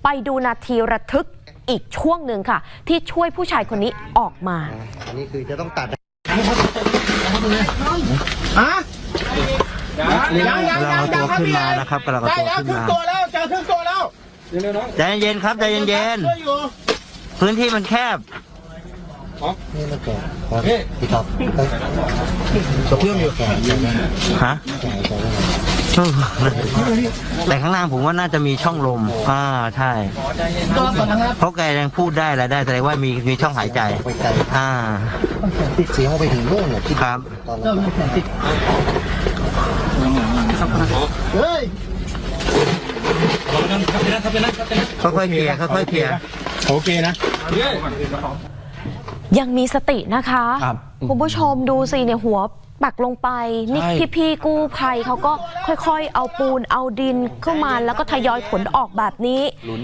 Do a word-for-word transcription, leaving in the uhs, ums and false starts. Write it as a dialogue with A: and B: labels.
A: ไปดูนาทีระทึกอีกช่วงหนึ่งค่ะที่ช่วยผู้ชายคนนี้ออกมา
B: อันนี้คือจะต้องตัด
C: ฮะยังยังยังยังครับพี่นะครับกำลังเอาตัวขึ้นมาตัวแล้วเจอครึ่งตัวแล้ว
B: ใจเย็นๆครับใจเย็นๆพื้นที่มันแคบนี่มันแก่ครับพี่ท็อปตัวเครื่องอยู่ฮะแต่ข้างล่างผมว่าน่าจะมีช่องลมอ่าใช่เพราะแกยังพูดได้อะไรได้แสดงว่ามีมีช่องหายใจอ่าติดเสียงไปถึงโน่นเลยครับเฮ้ยค่อยๆเคลียร์ค่อยๆเคลียร์
C: โอเคนะ
A: ยังมีสตินะคะคุณผู้ชมดูสิเนี่ยหัวปักลงไปนี่พี่ๆกู้ภัยเขาก็ค่อยๆเอาปูนเอาดินเข้ามาแล้วก็ทยอยขนออกแบบนี้